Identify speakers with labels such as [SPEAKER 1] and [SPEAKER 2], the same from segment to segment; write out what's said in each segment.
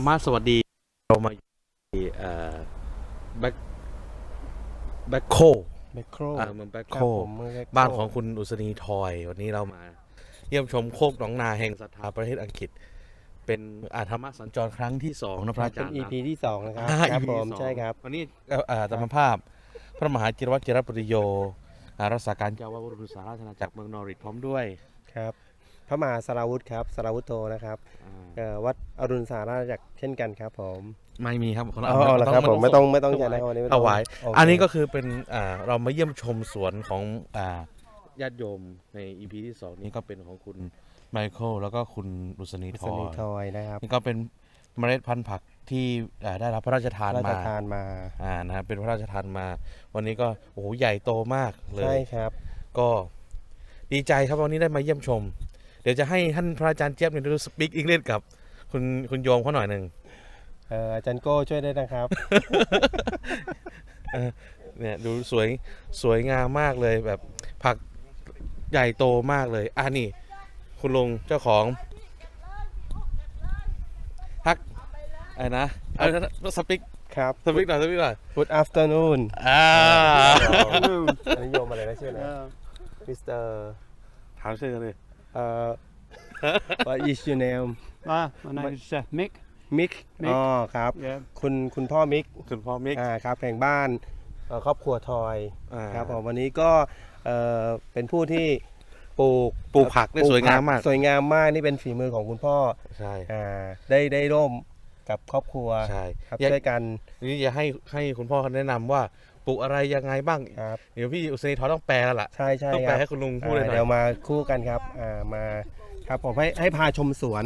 [SPEAKER 1] รมะสวัสดีเรามาอยู่ที่แบ็คแบ็คโค
[SPEAKER 2] แมคโคร
[SPEAKER 1] เมืองแบ็ค
[SPEAKER 2] ค
[SPEAKER 1] โค
[SPEAKER 2] รับผมเมืองแมคโคร
[SPEAKER 1] บ้านของคุณอุศนีทอยวันนี้เรามาเยี่ยมชมโคกหนองนาแห่งศรัทธาประเทศอังกฤษเป็นธรรมะสัญจรครั้งที่2นะพระอาจารย์
[SPEAKER 2] เป็น EP ที่2นะครับ ครับ
[SPEAKER 1] EP
[SPEAKER 2] ผม
[SPEAKER 1] ที่สอง
[SPEAKER 2] ใช่ครับ
[SPEAKER 1] วันนี้ธรรมภาพพระมหาจิรวัตรจิรปริโยรักษาการเจ้าวาดวัดรุษาราชอาณาจักรเมืองนอริทพร้อมด้วย
[SPEAKER 2] ครับพระมหาสราวุธครับสราวุธโตนะครับวัดอรุณสาราจากรเช่นกันครับผม
[SPEAKER 1] ไม่มีครับ
[SPEAKER 2] เอาละครับผมไม่ต้องใจนะครับวันนี้
[SPEAKER 1] ถวาย
[SPEAKER 2] โเค
[SPEAKER 1] อันนี้ก็คือเป็นเรามาเยี่ยมชมสวนของญาติโยมใน EP ที่2นี้ก็เป็นของคุณไมเคิลแล้วก็คุณรุษณีท
[SPEAKER 2] ส
[SPEAKER 1] อ
[SPEAKER 2] นิ
[SPEAKER 1] ย
[SPEAKER 2] ทอยนะครับ
[SPEAKER 1] นี่ก็เป็นเมล็ดพันธุ์ผักที่ได้รับพระราชทาน
[SPEAKER 2] พระราช
[SPEAKER 1] มา
[SPEAKER 2] ทานมา
[SPEAKER 1] นะครับเป็นพระราชทานมา วันนี้ก็โอ้โหใหญ่โตมากเล
[SPEAKER 2] ใช่
[SPEAKER 1] ย
[SPEAKER 2] ครับ
[SPEAKER 1] ก็ดีใจครับวันนี้ได้มาเยี่ยมชม เดี๋ยวจะให้ท่านพระอาจารย์เจี๊ยบเนี่ยดูสปีกอังกฤษกับคุณโยมเขาหน่อยหนึ่ง
[SPEAKER 2] อาจารย์โก้ช่วยได้นะครับ
[SPEAKER 1] เนี่ยดูสวยงามมากเลยแบบผักใหญ่โตมากเลยนี่คุณลุงเจ้าของฮักอะไรนะสปิก
[SPEAKER 2] ครับ
[SPEAKER 1] หน่อย
[SPEAKER 2] Good afternoon อันนี้โยมอะไรนะชื่ออะไรมิสเตอร์
[SPEAKER 1] ถามชื่อเลย
[SPEAKER 2] What is your name
[SPEAKER 3] My name is Mick.
[SPEAKER 2] มิก
[SPEAKER 3] Mick
[SPEAKER 2] อ๋อครับ
[SPEAKER 3] Yeah.
[SPEAKER 2] คุณพ่อมิก
[SPEAKER 1] คุณพ่อมิก
[SPEAKER 2] ครับแห่งบ้านครอบครัวทอย ครับผมวันนี้ก็เป็นผู้ที่ปลูก
[SPEAKER 1] ผักได้สวยงามมาก
[SPEAKER 2] สวยงามมากนี่เป็นฝีมือของคุณพ่อ
[SPEAKER 1] ใช่
[SPEAKER 2] ได้ร่วมกับครอบครัว
[SPEAKER 1] ใช่
[SPEAKER 2] ครับช่วยกัน
[SPEAKER 1] นี่จะให้คุณพ่อเขาแนะนำว่าปลูกอะไรยังไงบ้าง
[SPEAKER 2] ครับ
[SPEAKER 1] เดี๋ยวพี่อุศนีทอต้องแปลแล้วล่ะ
[SPEAKER 2] ใช่ใช่
[SPEAKER 1] ต้อง
[SPEAKER 2] ค
[SPEAKER 1] แปล
[SPEAKER 2] รับ
[SPEAKER 1] ให้คุณลุงพูดเลยหน่อย
[SPEAKER 2] เดี๋ยวมาคู่กันครับมาครับผมให้พาชมสวน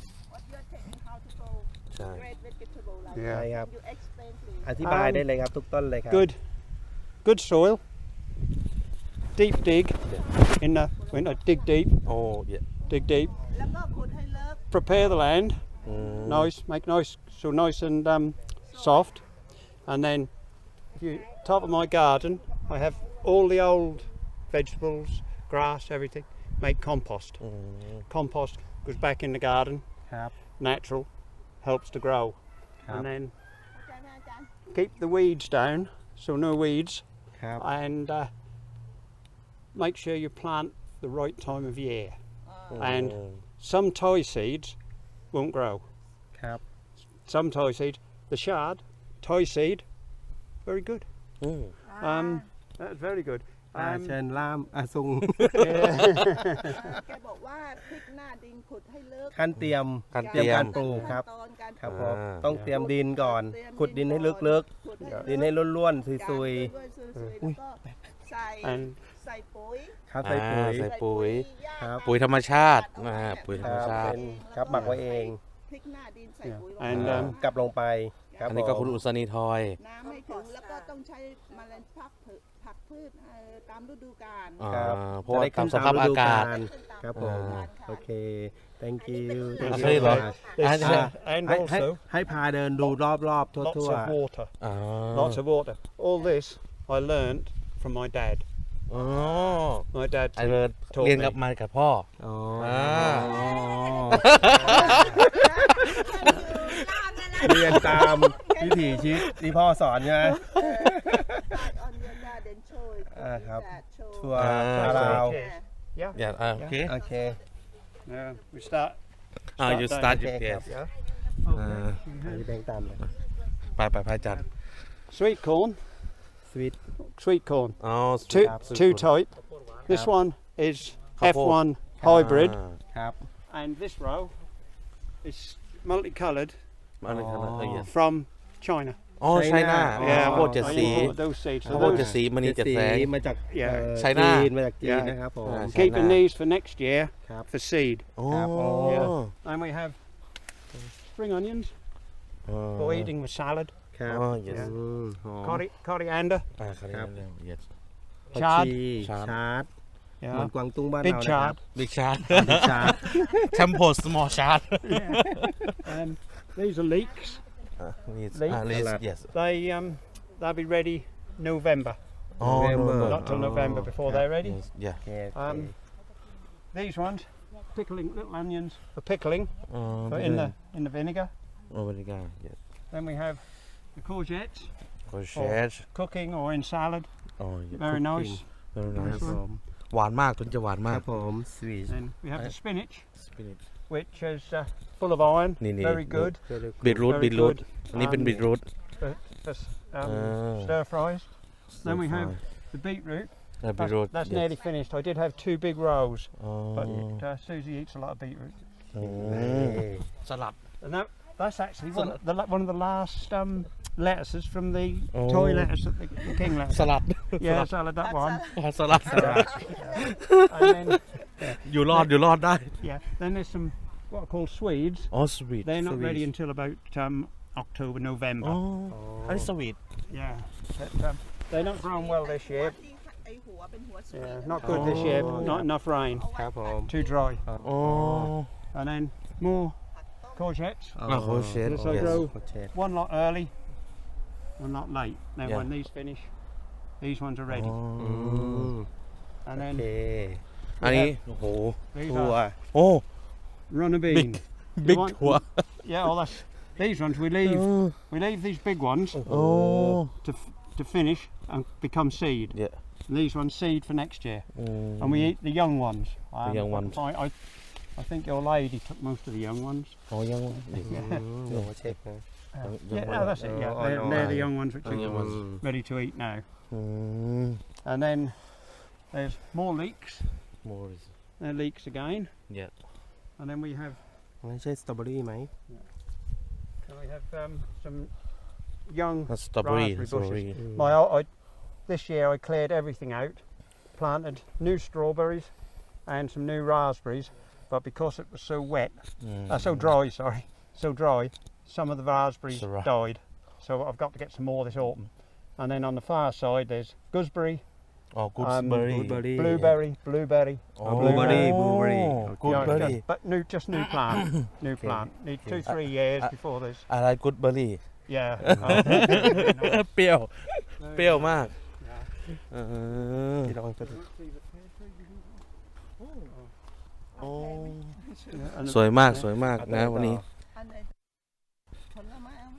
[SPEAKER 1] ใช่
[SPEAKER 2] ใช่
[SPEAKER 3] Yeah.
[SPEAKER 2] ครับอธิบายได้เลยครับทุกต้นเลยครับ
[SPEAKER 3] Good soil. Deep dig in the winter. Dig deep.
[SPEAKER 1] โอ้ย
[SPEAKER 3] Dig deep. Prepare the land.
[SPEAKER 1] อืม
[SPEAKER 3] Nice. Make nice. So nice and soft. And then, if you top of my garden, I have all the old vegetables, grass, everything. Make compost.
[SPEAKER 1] อืม
[SPEAKER 3] Compost goes back in the garden.
[SPEAKER 2] ครับ
[SPEAKER 3] Natural. Helps to grow.
[SPEAKER 2] ครับ
[SPEAKER 3] And then keep the weeds down. So no weeds.
[SPEAKER 2] ครับ
[SPEAKER 3] And make sure you plant the right time of year. And some Thai seeds won't grow.
[SPEAKER 2] ครับ
[SPEAKER 3] Some Thai seeds, the shard, Thai seed, very good.
[SPEAKER 1] อืม
[SPEAKER 3] That's very good.
[SPEAKER 2] เชิญล่ามซุง
[SPEAKER 4] แกบอกว่าพริกหน้าดินขุดให้ลึก
[SPEAKER 2] ขั้นเตรียม
[SPEAKER 1] การเตรียม
[SPEAKER 2] การปลูกครับ
[SPEAKER 4] ขั้นตอนการ
[SPEAKER 2] ครับ
[SPEAKER 4] ป
[SPEAKER 2] ผ
[SPEAKER 4] ลูก
[SPEAKER 2] มต้องเตรียมดินก่อน
[SPEAKER 4] เตรียม
[SPEAKER 2] ขุดดินให้ลึก
[SPEAKER 4] ขุดให้
[SPEAKER 2] ๆ ดินให้ร่วนๆซุย
[SPEAKER 4] ด้วยซุยๆแล้วก็ใส่
[SPEAKER 3] And
[SPEAKER 4] ใส่ปุ๋ย
[SPEAKER 2] ๆครับใส่ปุ๋ย
[SPEAKER 1] ใส่ปุ๋ย
[SPEAKER 2] ครับ
[SPEAKER 1] ปุ๋ยธรรมชาติปุ๋ยธรรมชาติ
[SPEAKER 2] เป็นครับหมักไว้เอง
[SPEAKER 4] พริกหน้าดินใส่ปุ๋ยไว้
[SPEAKER 3] And
[SPEAKER 2] กลับลงไปครับ
[SPEAKER 1] อันนี้ก็
[SPEAKER 2] ผม
[SPEAKER 1] คุณอุศนีทอย
[SPEAKER 4] น้ำไม่ถึงแล้วก็ต้องใช้เมล็ดผักพืชตามฤดูกาล
[SPEAKER 2] ครับ
[SPEAKER 1] เพราะว่าตามสภาพอากาศ
[SPEAKER 2] ครับผม โอเค thank you
[SPEAKER 1] อันนี้เหรอ
[SPEAKER 3] and
[SPEAKER 2] ให้
[SPEAKER 3] also
[SPEAKER 2] ให้พาเดินดูรอบๆ
[SPEAKER 3] lots
[SPEAKER 2] ทั่ว
[SPEAKER 3] of water.
[SPEAKER 1] อ๋อ
[SPEAKER 3] Lots of water. All this I learnt from my dad.
[SPEAKER 1] อ๋อ
[SPEAKER 3] My dad
[SPEAKER 1] ไอเริร์ดเรียนกับมากับพ่อ
[SPEAKER 2] ๆอ๋อ เรียนตามวิถีชีวิตที่พ่อสอนใช่ไหม ครับ ชัวร์ลาว
[SPEAKER 3] Yeah.
[SPEAKER 1] อย่าโอเค
[SPEAKER 2] โอเค
[SPEAKER 3] We start.
[SPEAKER 1] you start
[SPEAKER 2] โอเค
[SPEAKER 1] your
[SPEAKER 2] ครับ
[SPEAKER 1] guess
[SPEAKER 2] พี่แบงค์ตามเลย
[SPEAKER 1] ไปพระอาจารย์
[SPEAKER 3] Sweet corn.
[SPEAKER 2] สวิต
[SPEAKER 3] Sweet corn.
[SPEAKER 1] อ๋อ
[SPEAKER 3] Two type. This one is F1 hybrid,
[SPEAKER 2] ครับ
[SPEAKER 3] and this row is multicolored
[SPEAKER 1] อะไรครับ
[SPEAKER 3] from China.
[SPEAKER 1] อ๋อไชน่า
[SPEAKER 3] Yeah,
[SPEAKER 1] โคตรเจ็ด
[SPEAKER 3] I
[SPEAKER 1] สี
[SPEAKER 3] import those seeds.
[SPEAKER 1] โคตรเจ็ดสีมันนี่เจ็ดแสง
[SPEAKER 2] มาจาก
[SPEAKER 3] Yeah.
[SPEAKER 1] ไชน่า
[SPEAKER 2] จีนมาจากจีน
[SPEAKER 3] Yeah.
[SPEAKER 2] นะครับผม
[SPEAKER 1] China.
[SPEAKER 3] Keeping these for next year
[SPEAKER 2] ครับ
[SPEAKER 3] for seed.
[SPEAKER 1] โอ้
[SPEAKER 2] ครับ
[SPEAKER 3] Yeah. And we have spring onions
[SPEAKER 1] อ๋อ
[SPEAKER 3] for eating with salad.
[SPEAKER 2] ครับ
[SPEAKER 1] อ๋อ yes
[SPEAKER 2] อืมหอม
[SPEAKER 3] Coriander.
[SPEAKER 1] ครับ yes
[SPEAKER 2] ผัก
[SPEAKER 3] chard
[SPEAKER 2] ชี
[SPEAKER 1] ชาร์ด
[SPEAKER 2] ชาร์ดเหมือน
[SPEAKER 3] Yeah.
[SPEAKER 2] กวางตุ้งบ้าน
[SPEAKER 3] Big
[SPEAKER 2] เรานะครับ
[SPEAKER 3] chard.
[SPEAKER 1] big shot
[SPEAKER 2] บิ๊กชาร์ด
[SPEAKER 1] tempo small shot
[SPEAKER 3] These are leeks.
[SPEAKER 1] leaks yes
[SPEAKER 3] They'll be ready November.
[SPEAKER 1] อ๋อ
[SPEAKER 3] Not till November before they're ready.
[SPEAKER 1] yeah
[SPEAKER 2] โอเค
[SPEAKER 3] These ones, pickling little onions for pickling
[SPEAKER 1] อ๋อ
[SPEAKER 3] in the vinegar.
[SPEAKER 1] โอเมริกา yes
[SPEAKER 3] Then we have the courgettes,
[SPEAKER 1] โคเชส
[SPEAKER 3] cooking or in salad.
[SPEAKER 1] อ๋อ
[SPEAKER 3] Very nice.
[SPEAKER 1] very
[SPEAKER 2] ค
[SPEAKER 1] nice
[SPEAKER 2] รับผม
[SPEAKER 1] หวานมากต้นจะหวาน
[SPEAKER 2] ค
[SPEAKER 1] มา
[SPEAKER 2] รั
[SPEAKER 1] ก
[SPEAKER 2] บผมสวีท
[SPEAKER 3] Then we have the spinach,
[SPEAKER 1] spinach
[SPEAKER 3] which is full of iron,
[SPEAKER 1] Nini,
[SPEAKER 3] very good
[SPEAKER 1] บีทรูท
[SPEAKER 3] Very
[SPEAKER 1] บีทรูท
[SPEAKER 3] good.
[SPEAKER 1] อันนี้เป็นบีทรูท
[SPEAKER 3] for
[SPEAKER 1] Ah.
[SPEAKER 3] stir fries. Then we have the beetroot.
[SPEAKER 1] บีทรูท
[SPEAKER 3] That's nearly finished. I did have 2 big rows,
[SPEAKER 1] อ๋อ
[SPEAKER 3] but Susie eats a lot of beetroot.
[SPEAKER 1] สลัด
[SPEAKER 3] And that's actually one of the last lettuces from the
[SPEAKER 1] Oh.
[SPEAKER 3] toy lettuce that the king left.
[SPEAKER 1] สลัด
[SPEAKER 3] Yeah, salad, that one.
[SPEAKER 1] สลัด
[SPEAKER 3] And then,
[SPEAKER 1] อยู่รอดได้
[SPEAKER 3] yeah, then there's some what are called Swedes.
[SPEAKER 1] อ๋อสวีท
[SPEAKER 3] They're not ready until about October,
[SPEAKER 1] อ๋อ
[SPEAKER 3] November.
[SPEAKER 1] อันนี้สวีท
[SPEAKER 3] Yeah, but, they're not grown well this year.
[SPEAKER 4] ไอหัวเป็นหัวสวย
[SPEAKER 3] Yeah, not good this year. Not enough rain.
[SPEAKER 2] ครับผม
[SPEAKER 3] Too dry.
[SPEAKER 1] อ๋อ
[SPEAKER 3] And then more courgettes.
[SPEAKER 1] อ่ะโคเชส
[SPEAKER 3] So grow
[SPEAKER 2] โคเชส
[SPEAKER 3] one lot early, one lot late. Then
[SPEAKER 1] Yeah.
[SPEAKER 3] when these finish, these ones are ready.
[SPEAKER 2] อืม
[SPEAKER 3] And
[SPEAKER 2] โอ
[SPEAKER 3] then
[SPEAKER 2] เค
[SPEAKER 1] อันนี้โอ้โห
[SPEAKER 3] these
[SPEAKER 2] ถั่ว
[SPEAKER 3] are
[SPEAKER 1] โอ้
[SPEAKER 3] runner bean.
[SPEAKER 1] บิ๊ก
[SPEAKER 3] want-
[SPEAKER 1] ถั่ว
[SPEAKER 3] Yeah, well that's these ones we leave these big ones
[SPEAKER 1] โอ้
[SPEAKER 3] to finish and become seed.
[SPEAKER 1] Yeah.
[SPEAKER 3] And these ones seed for next year,
[SPEAKER 1] อืม
[SPEAKER 3] and we eat the young ones.
[SPEAKER 1] young ones.
[SPEAKER 3] I think your lady took most of the young ones.
[SPEAKER 1] อ๋อยัง
[SPEAKER 2] โอ้เช็คนะ
[SPEAKER 3] Yeah, no, that's it. Yeah,
[SPEAKER 2] Oh,
[SPEAKER 3] they're the
[SPEAKER 2] no.
[SPEAKER 3] young ones which are
[SPEAKER 1] Young ones.
[SPEAKER 3] ready to eat now.
[SPEAKER 1] อืม
[SPEAKER 3] And then there's more leeks.
[SPEAKER 1] more
[SPEAKER 3] They're leeks again.
[SPEAKER 1] Yeah.
[SPEAKER 3] And then we have
[SPEAKER 2] ไม่ใช่สตรอเบอรี่ไหม
[SPEAKER 3] some young
[SPEAKER 1] สตรอเบอรี่
[SPEAKER 3] raspberry
[SPEAKER 1] สตรอเบอ
[SPEAKER 3] bushes.
[SPEAKER 1] รี่
[SPEAKER 3] This year I cleared everything out, planted new strawberries and some new raspberries, but because it was so wet, so dry, so dry, some of the raspberries
[SPEAKER 1] So dry.
[SPEAKER 3] died. So I've got to get some more this autumn. And then on the far side there's gooseberry,
[SPEAKER 1] อ๋อ gooseberry
[SPEAKER 3] blueberry,
[SPEAKER 1] อ๋อ
[SPEAKER 2] blueberry
[SPEAKER 1] กูดเบอร์รี่
[SPEAKER 3] but just new plant, new plant. Need 2-3 years before this.
[SPEAKER 1] อะไรกูดเบอร์รี่
[SPEAKER 3] Yeah.
[SPEAKER 1] เปรี้ยว เปรี้ยวมากเออ
[SPEAKER 2] ที่เราไปดู
[SPEAKER 1] โอ้
[SPEAKER 3] And
[SPEAKER 1] สวยมากสวยมากนะวันนี้
[SPEAKER 4] อันไหนผลไม้เอาไหม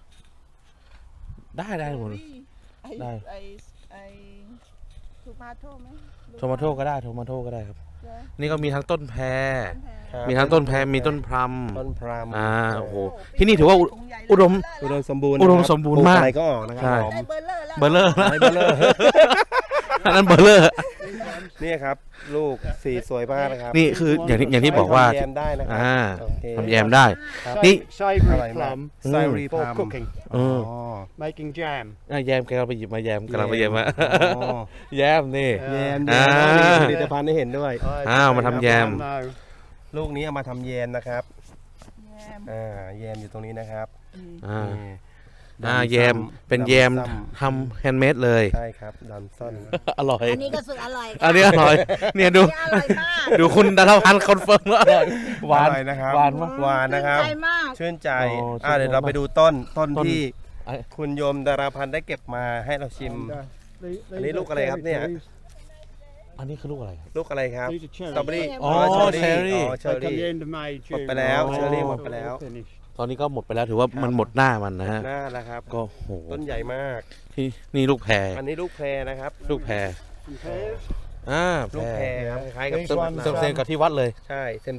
[SPEAKER 1] ได้หมด
[SPEAKER 4] ไอ
[SPEAKER 1] ได้
[SPEAKER 4] ไอทูมาโต้ไหม
[SPEAKER 1] โทมาโต้ก็ได้โทมาโต้ก็ได้ครับ
[SPEAKER 4] เดี๋ยว
[SPEAKER 1] นี่ก็มีทั้งต้นแพร
[SPEAKER 2] ครับ
[SPEAKER 1] มีทั้งต้นแพรมีต้นพลัม
[SPEAKER 2] ต้นพราม
[SPEAKER 1] โอ้โห ที่นี่ถือว่าอุดม
[SPEAKER 2] อุดมสมบูรณ์
[SPEAKER 1] อุดมสมบูรณ์มาก
[SPEAKER 2] อะไรก็ออกนะค
[SPEAKER 1] ใช่
[SPEAKER 2] รับผม
[SPEAKER 4] ได้เบอร์เลอร์แล้ว
[SPEAKER 1] เบอร์เลอร์
[SPEAKER 2] ไอ้เบลเลอร์
[SPEAKER 1] อันนั้นเบอร์เลอร์
[SPEAKER 2] นี่ครับ ลูกสีสวยมากนะครับ
[SPEAKER 1] นี่คืออย่างที่บอกว่า
[SPEAKER 2] ทำแยมได้นะครั โอเค
[SPEAKER 1] ทำแยมได้ นี่
[SPEAKER 3] Savory
[SPEAKER 2] อร่อยมาก
[SPEAKER 3] plum
[SPEAKER 2] ไซรีพ
[SPEAKER 3] for
[SPEAKER 2] ราม
[SPEAKER 3] cooking,
[SPEAKER 1] เออ
[SPEAKER 3] making jam.
[SPEAKER 1] แยมแกเราไปหยิบมาแยมกำลังไปแยมมา
[SPEAKER 2] อ๋อ
[SPEAKER 1] แยมนี่
[SPEAKER 2] แยม
[SPEAKER 1] อ่า
[SPEAKER 2] มีผลิตภัณฑ์ให้เห็นด้วย
[SPEAKER 1] อ้าวมาทำแยม
[SPEAKER 3] No.
[SPEAKER 2] ลูกนี้เอามาทำแยมนะครับ
[SPEAKER 4] แยม
[SPEAKER 2] แยมอยู่ตรงนี้นะครับ
[SPEAKER 1] อ่า
[SPEAKER 2] นี่
[SPEAKER 1] แยมเป็นแยม
[SPEAKER 2] ดำซ้
[SPEAKER 1] ทำแฮนด์เมดเลย
[SPEAKER 2] ำใช่ครับดันซ่อน
[SPEAKER 1] อร่อย
[SPEAKER 5] อันนี้ก็สุดอร่อย
[SPEAKER 1] อันนี้อร่อย เนี่ยดู
[SPEAKER 5] อร่อยมาก
[SPEAKER 1] ดูคุณดารพันธ์คอนเฟิร์มว่าอร่อยหวาน
[SPEAKER 2] อร่อยนะครับ
[SPEAKER 1] หวานมาก
[SPEAKER 2] หวานนะครับ
[SPEAKER 5] ใจมาก
[SPEAKER 2] ชื่นใจ
[SPEAKER 1] โอ้ชื่นใจ
[SPEAKER 2] เดี๋ยวเราไปดูต้น
[SPEAKER 1] ต้น
[SPEAKER 2] ที่
[SPEAKER 1] ไอ้
[SPEAKER 2] คุณโยมดาราพันธ์ได้เก็บมาให้เราชิม
[SPEAKER 3] And,
[SPEAKER 2] Anh ấy lúc ở đâyครับเนี่ย
[SPEAKER 1] อันนี้คือลูกอะไรครับ
[SPEAKER 2] ลูกอะไรครับ
[SPEAKER 3] These are
[SPEAKER 2] สตรอเบอ
[SPEAKER 3] cherries.
[SPEAKER 2] รี่
[SPEAKER 1] อ๋อ
[SPEAKER 2] เชอรี่
[SPEAKER 1] cherry
[SPEAKER 2] อ๋อเชอ
[SPEAKER 3] They come
[SPEAKER 2] รี่
[SPEAKER 3] the end of May,
[SPEAKER 2] หมด
[SPEAKER 3] June.
[SPEAKER 2] ไปแล้ว
[SPEAKER 1] อ๋อ
[SPEAKER 2] เชอรี่หมดไปแล้ว
[SPEAKER 3] Finished.
[SPEAKER 1] ตอนนี้ก็หมดไปแล้วถือว่ามันหมดหน้ามันนะฮะ
[SPEAKER 2] หน้าแล้วครับ
[SPEAKER 1] ก็โห
[SPEAKER 2] ต้นใหญ่มาก
[SPEAKER 1] ที่นี่ลูกแพร
[SPEAKER 2] อันนี้ลูกแพรนะครับ
[SPEAKER 1] ลูกแพร
[SPEAKER 3] Some pears.
[SPEAKER 2] ลูกแพรครับคล้ายๆกับ
[SPEAKER 3] These
[SPEAKER 2] ต้น
[SPEAKER 3] ones
[SPEAKER 1] เซมเซมกับที่วัดเลย
[SPEAKER 2] ใช่เซม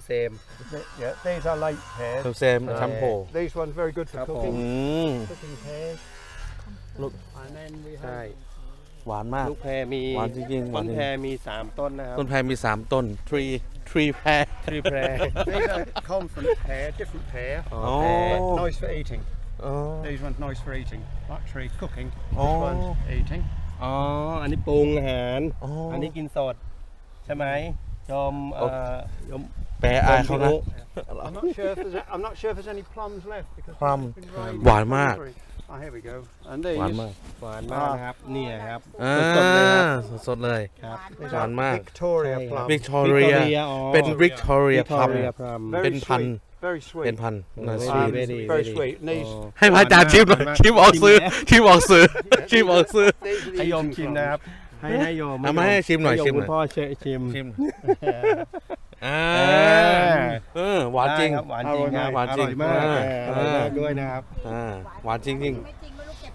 [SPEAKER 3] Yeah, these are late pears.
[SPEAKER 1] เซมเซมแชมโป
[SPEAKER 3] These ones very good for
[SPEAKER 2] ครับ
[SPEAKER 3] cooking.
[SPEAKER 1] อืม
[SPEAKER 3] Cooking pears.
[SPEAKER 1] Look.
[SPEAKER 3] And then we
[SPEAKER 2] ใช่
[SPEAKER 3] have
[SPEAKER 1] หวานมาก
[SPEAKER 2] ลูกแพรมี
[SPEAKER 1] หวานจริงๆหวา
[SPEAKER 2] ต้
[SPEAKER 1] น
[SPEAKER 2] น
[SPEAKER 1] จริง
[SPEAKER 2] แพรมี3ต้นนะครับ
[SPEAKER 1] ต้นแพรมี3ต้น tree แพร
[SPEAKER 2] ทรีแพร
[SPEAKER 3] these are confident pear, different pear.
[SPEAKER 2] อ๋อ
[SPEAKER 1] อ๋อ
[SPEAKER 2] แพร
[SPEAKER 3] But nice for eating.
[SPEAKER 1] อ๋อ
[SPEAKER 3] These ones nice for eating. That tree cooking. This
[SPEAKER 1] Oh.
[SPEAKER 3] one's eating.
[SPEAKER 2] อ๋อ อันนี้ปรุงอาหาร
[SPEAKER 1] อ๋ออั
[SPEAKER 2] อันนี้กินสด ใช่ไหมโยมโยม
[SPEAKER 1] แปรอายเขานะ
[SPEAKER 3] I'm not sure if there's any plums left because
[SPEAKER 1] Plum.
[SPEAKER 3] it's been raining.
[SPEAKER 1] หวานมาก
[SPEAKER 3] Oh, here we go. And
[SPEAKER 1] หวาน
[SPEAKER 3] these
[SPEAKER 1] มาก
[SPEAKER 2] หวานมากนะครับ เนี่ยครับ
[SPEAKER 1] อ่า
[SPEAKER 2] สดๆเลยครับ
[SPEAKER 1] สดๆเลย
[SPEAKER 2] ครับ
[SPEAKER 3] these
[SPEAKER 1] หวาน
[SPEAKER 3] are
[SPEAKER 1] มาก
[SPEAKER 3] Victoria
[SPEAKER 2] ใช่ครับ
[SPEAKER 3] plum.
[SPEAKER 1] Victoria
[SPEAKER 2] อ๋อ
[SPEAKER 1] เป็น Victoria
[SPEAKER 2] วิกตอ
[SPEAKER 1] Plum
[SPEAKER 2] เรียพลัม
[SPEAKER 3] Very
[SPEAKER 1] เป็นพันธุ์
[SPEAKER 3] sweet. Very sweet.
[SPEAKER 1] เป็นพันธุ์น่า
[SPEAKER 2] Very
[SPEAKER 1] สวีท
[SPEAKER 2] very
[SPEAKER 3] Very sweet. And these
[SPEAKER 1] ให้พระอาจารย์ชิมหน่อยชิมออกซื้อชิมออกซื้อชิมออกซื้อ
[SPEAKER 3] these are the
[SPEAKER 2] ให้โยม
[SPEAKER 3] eating
[SPEAKER 2] ชิม
[SPEAKER 3] plums.
[SPEAKER 2] นะครับ ให้โยม
[SPEAKER 1] เอามาให้ชิมหน่อย
[SPEAKER 2] โย
[SPEAKER 1] ชิมห
[SPEAKER 2] คุ
[SPEAKER 1] น่อย
[SPEAKER 2] ณพ่อชิม
[SPEAKER 1] ชิม
[SPEAKER 3] Yeah.
[SPEAKER 1] หวานจริง
[SPEAKER 2] ได้คบหวานจริงครับ
[SPEAKER 1] หวานจริง
[SPEAKER 2] อร่อยมาก
[SPEAKER 1] อ่า
[SPEAKER 2] อร่อยมากด้วยนะครับ
[SPEAKER 1] หวานจริงจริง
[SPEAKER 5] ไม่จริงไม่รู้เก็บ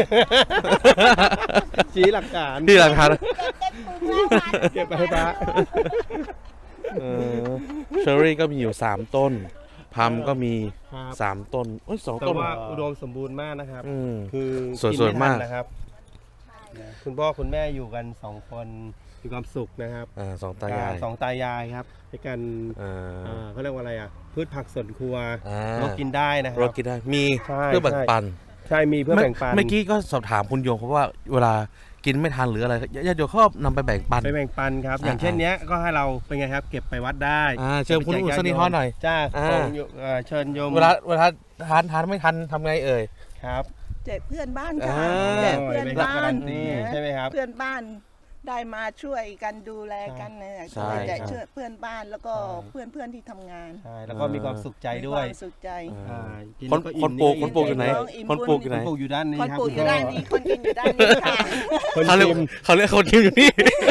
[SPEAKER 2] ชี้หลักฐาน
[SPEAKER 1] ที่ราคา
[SPEAKER 5] เก็บเต็มถุงแล้วมัน
[SPEAKER 2] เก็บไปให้ป้า
[SPEAKER 1] เชอร์รี่ก็มีอยู่3 ต้นพัมก็มี
[SPEAKER 2] ครับ
[SPEAKER 1] 3 ต้นเอ้ย2
[SPEAKER 2] แต่
[SPEAKER 1] ต้น
[SPEAKER 2] ว่าอุดมสมบูรณ์มากนะครับ
[SPEAKER 1] อืม
[SPEAKER 2] คือ
[SPEAKER 1] สวยๆมาก
[SPEAKER 2] นไทันนะครับ คุณพ่อคุณแม่อยู่กัน2 คนมีความสุขนะครับ
[SPEAKER 1] สองตายาย
[SPEAKER 2] สองตายายครับให้กัน
[SPEAKER 1] อ่า
[SPEAKER 2] เขาเรียกว่าอะไรอ่ะพืชผักสวนครัว
[SPEAKER 1] อ่า
[SPEAKER 2] เรากินได้นะค
[SPEAKER 1] เรา
[SPEAKER 2] รับ
[SPEAKER 1] กินได้มี
[SPEAKER 2] ใช่
[SPEAKER 1] เพื่อแบ่งปัน
[SPEAKER 2] ใช่มีเพื่อแบ่งปัน
[SPEAKER 1] เมื่อกี้ก็สอบถามคุณโยงเพราะว่าเวลากินไม่ทันหรืออะไรญาติโยมเขานำไปแบ่งปัน
[SPEAKER 2] ไปแบ่งปันครับ อย่างเช่นเนี้ยก็ให้เราเป็นไงครับ เก็บไปวัดได้
[SPEAKER 1] เชิญคุณอุศนีฮอหน่อย
[SPEAKER 2] จ้า
[SPEAKER 1] อ่า
[SPEAKER 2] ของโยเชิญโยม
[SPEAKER 1] เวลาทานไม่ทันทำไงเอ่ย
[SPEAKER 2] ครับ
[SPEAKER 4] แจกเพื่อนบ้านค่ะ
[SPEAKER 1] อ่า
[SPEAKER 4] แจกเพื่อนบ้าน
[SPEAKER 2] ใช่ไหมครับ
[SPEAKER 4] เพื่อนบ้านได้มาช่วยกันดูแลกันเนี่ย
[SPEAKER 1] ใช่
[SPEAKER 4] แจกช่วยเพื่อนบ้านแล้วก็เพื่อนที่ทำงาน
[SPEAKER 2] ใช่แล้วก็มีความสุขใจด้วย
[SPEAKER 4] มีความสุขใจ
[SPEAKER 2] อ่ากิน
[SPEAKER 1] คน
[SPEAKER 2] แล้วอิ่ม
[SPEAKER 1] คนปลูก
[SPEAKER 2] นี่
[SPEAKER 1] คนปลูกอยู่ไหน
[SPEAKER 4] อิ่ม
[SPEAKER 1] คนปลูกอยู่ไหน
[SPEAKER 2] คนปลูกอยู่ด้านนี้
[SPEAKER 4] คน
[SPEAKER 2] ครับ
[SPEAKER 4] ปลูกอยู่
[SPEAKER 2] คุณพ่
[SPEAKER 4] ด้านนี้คนกินอยู่ด้านนี้ค่ะ
[SPEAKER 2] คน
[SPEAKER 1] เขาเรียก
[SPEAKER 2] ชิม
[SPEAKER 1] เขาเรียกคนกินอยู่นี่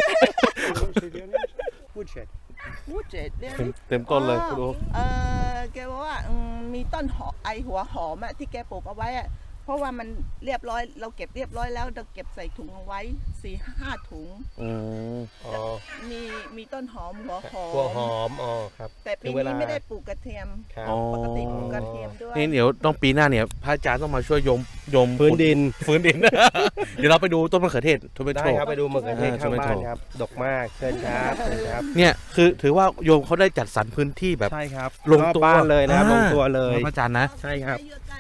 [SPEAKER 3] Woodshed.
[SPEAKER 4] พูดเจ็ดเรื่อง
[SPEAKER 1] เต็มต้นเลยคุณโอ
[SPEAKER 4] แกบอกว่ามีต้นหอมไอหัวหอมอะที่แกปลูกเอาไว้อะเพราะว่ามันเรียบร้อยเราเก็บเรียบร้อยแล้วเราเก็บใส่ถุงเอาไว้4-5 ถุง
[SPEAKER 2] อ๋อ
[SPEAKER 4] มีต้นหอมหัวหอม
[SPEAKER 2] หัวหอมอ๋อครับ
[SPEAKER 4] แต่ปี
[SPEAKER 2] ถึงเวลา
[SPEAKER 4] นี้ไม่ได้ปลูกกระเทียม
[SPEAKER 2] ครับ
[SPEAKER 4] ปกติปลูกกระเทียมด้วย
[SPEAKER 1] นี่เดี๋ยวต้องปีหน้าเนี่ยพระอาจารย์ต้องมาช่วยยม
[SPEAKER 2] พื้นดิน
[SPEAKER 1] ฟื้นดิน เดี๋ยวเราไปดูต้นมะเขือเทศทเมโต
[SPEAKER 2] ได้ครับไปดูมะเขือเทศ
[SPEAKER 1] อ่า
[SPEAKER 2] ข้างบ้าน
[SPEAKER 1] tomato
[SPEAKER 2] ครับ ดกมากเชิญครับเชิญครับ
[SPEAKER 1] เนี่ยคือถือว่าโยมเขาได้จัดสรรพื้นที่แบบ
[SPEAKER 2] ใช่ครับ
[SPEAKER 1] ลงตัว
[SPEAKER 2] รอบบ้านเลยนะครับลงตัวเลย
[SPEAKER 1] พระอาจารย์นะ
[SPEAKER 2] ใช่ครับ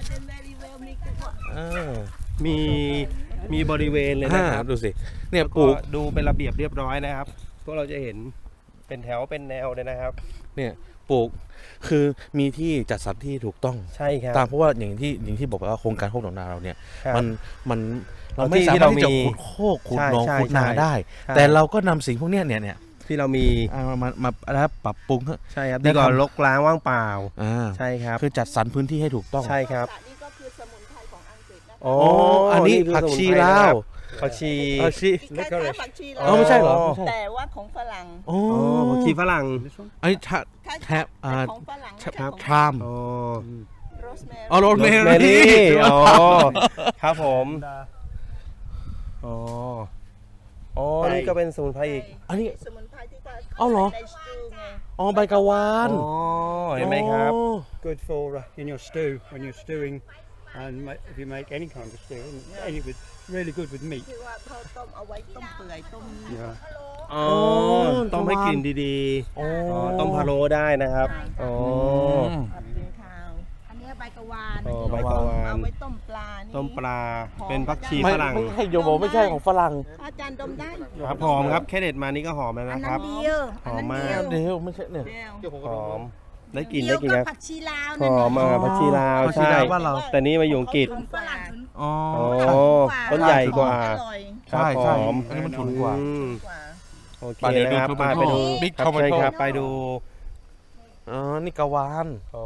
[SPEAKER 1] อ่า
[SPEAKER 2] มีบริเวณเลยนะครับ
[SPEAKER 1] ดูสิเนี่ย
[SPEAKER 2] แล้ว
[SPEAKER 1] ปลู
[SPEAKER 2] ก็
[SPEAKER 1] ก
[SPEAKER 2] ดูเป็นระเบียบเรียบร้อยนะครับพวกเราจะเห็นเป็นแถวเป็นแนวเลยนะครับ
[SPEAKER 1] เนี่ยปลูกคือมีที่จัดสรรที่ถูกต้อง
[SPEAKER 2] ใช่ครับ
[SPEAKER 1] ตามเพราะว่าอย่างที่บอกว่าโครงการโคกหนองนาเราเนี่ย
[SPEAKER 2] ครับ
[SPEAKER 1] มันเรา
[SPEAKER 2] ที่
[SPEAKER 1] ไม่สา
[SPEAKER 2] ที่
[SPEAKER 1] มารถ
[SPEAKER 2] เรา
[SPEAKER 1] ที่จะ
[SPEAKER 2] มี
[SPEAKER 1] ขุดโคกขุดหนอง
[SPEAKER 2] ใช่
[SPEAKER 1] ขุดนา
[SPEAKER 2] ใช่
[SPEAKER 1] ได้
[SPEAKER 2] ใช่
[SPEAKER 1] แต่เราก็นำสิ่งพวกเนี้ยเนี่ย
[SPEAKER 2] ที่เรามี
[SPEAKER 1] มาแล้วปรับปรุง
[SPEAKER 2] ใช่ครับ
[SPEAKER 1] ได้
[SPEAKER 2] ดีกว่า
[SPEAKER 1] ทำ
[SPEAKER 2] รกร้างว่างเปล่า
[SPEAKER 1] า
[SPEAKER 2] ใช่ครับ
[SPEAKER 1] คือจัดสรรพื้นที่ให้ถูกต้อง
[SPEAKER 2] ใช่ครับ
[SPEAKER 4] นี่ก็คือสมุนไพรของอังกฤษนะคะ
[SPEAKER 2] อ๋อ
[SPEAKER 1] อันนี้
[SPEAKER 2] คือ
[SPEAKER 1] ผักชี
[SPEAKER 2] สมุนไพร
[SPEAKER 1] ลา
[SPEAKER 2] นะคว รับ ผักชี
[SPEAKER 1] ผักชี
[SPEAKER 4] คล้ายๆผักชี
[SPEAKER 1] อ๋อไม่ใช่เหรอ
[SPEAKER 2] อ๋อ
[SPEAKER 1] ไม่ใช่
[SPEAKER 4] แต่ว่าของฝรั่ง
[SPEAKER 1] อ๋อ
[SPEAKER 2] อ๋อผักชีฝรั่ง
[SPEAKER 3] This one?
[SPEAKER 1] ไอ้ชา
[SPEAKER 4] คล้ายๆ
[SPEAKER 1] แทบ
[SPEAKER 4] แต่ของฝรั่ง
[SPEAKER 2] ครับ
[SPEAKER 1] ทราม
[SPEAKER 2] อ๋อ
[SPEAKER 4] โรสแมรี่
[SPEAKER 1] อ๋อโรสแม
[SPEAKER 2] แม
[SPEAKER 1] รี่
[SPEAKER 2] รี่อ๋อครับผมอ๋ออ๋อนี่ก็เป็นสมุนไพรอีก
[SPEAKER 1] อันนี้
[SPEAKER 4] สมุนไพรที่ก็
[SPEAKER 1] เอาเหรอ
[SPEAKER 4] ในสตูไง
[SPEAKER 1] อ๋อใบกะวาน
[SPEAKER 2] อ๋อเห็นไหมครับ
[SPEAKER 1] อ๋อ
[SPEAKER 3] Good for in your stew when you're stewing, and if you make any kind of stew, and it was really good with meat.
[SPEAKER 4] ที่ว่าเขาต้มเอาไว้ต้มเปื่อยต้ม
[SPEAKER 3] Yeah.
[SPEAKER 2] อ๋อต้องให้กลิ่นดี
[SPEAKER 1] อ๋อ
[SPEAKER 2] ๆอ๋อต้มพะโล้ได้นะครับอ๋อ
[SPEAKER 4] ผัดเป็นข้าว
[SPEAKER 5] อันนี้ใบกะวาน
[SPEAKER 2] อ๋อใบกะวาน
[SPEAKER 4] เอาไว้ต้มปลานี่
[SPEAKER 2] ต้มปลาเป็นผักชี
[SPEAKER 1] ไม่
[SPEAKER 2] ฝรั่ง
[SPEAKER 1] ไม่ใช่โยมบอกไม่ใช่ของฝรั่ง
[SPEAKER 4] อาจารย์ดมได้
[SPEAKER 2] ครับหอมครับแค่เด็ดมานี่ก็หอมแล้ว
[SPEAKER 5] อัน
[SPEAKER 2] นะค
[SPEAKER 5] นั้
[SPEAKER 2] รั
[SPEAKER 5] น
[SPEAKER 2] บ
[SPEAKER 5] เดียว
[SPEAKER 2] หอมมาก
[SPEAKER 5] อันนั้นเดียว
[SPEAKER 1] เดี๋ยวไม่ใช่เนี่ย
[SPEAKER 4] เดียว
[SPEAKER 2] หอมได้กลิ่น
[SPEAKER 5] เดี
[SPEAKER 2] ได้
[SPEAKER 5] ยว
[SPEAKER 2] กลิ่น
[SPEAKER 5] กั
[SPEAKER 2] นะ
[SPEAKER 5] บผักชีลาว
[SPEAKER 2] ห
[SPEAKER 5] นั่น
[SPEAKER 2] อม
[SPEAKER 5] น่ะ
[SPEAKER 2] ผักชีลาว
[SPEAKER 1] ผักชี
[SPEAKER 2] ใช่
[SPEAKER 1] ลาวบ้านเรา
[SPEAKER 2] แต่นี่มาอยู่อังกฤษ
[SPEAKER 5] ฝรั่ง
[SPEAKER 1] อ๋อ
[SPEAKER 2] อ๋อ
[SPEAKER 5] ถูกกว่า
[SPEAKER 2] ต้นใหญ่กว่า
[SPEAKER 4] อร่อย
[SPEAKER 1] ใช่
[SPEAKER 2] ครับ
[SPEAKER 1] ใช่
[SPEAKER 2] หอม
[SPEAKER 1] อันนี้มันถูกกว่า
[SPEAKER 2] อืม
[SPEAKER 4] กว่า
[SPEAKER 2] โอเค
[SPEAKER 1] ไปเดี๋ยว
[SPEAKER 2] นะครับ
[SPEAKER 1] ดู
[SPEAKER 2] ไปไปดู
[SPEAKER 1] Big
[SPEAKER 2] ครับเชิญ
[SPEAKER 1] Tomato
[SPEAKER 2] ครับไปดู
[SPEAKER 1] อ๋อนี่กะวาน
[SPEAKER 2] โอ้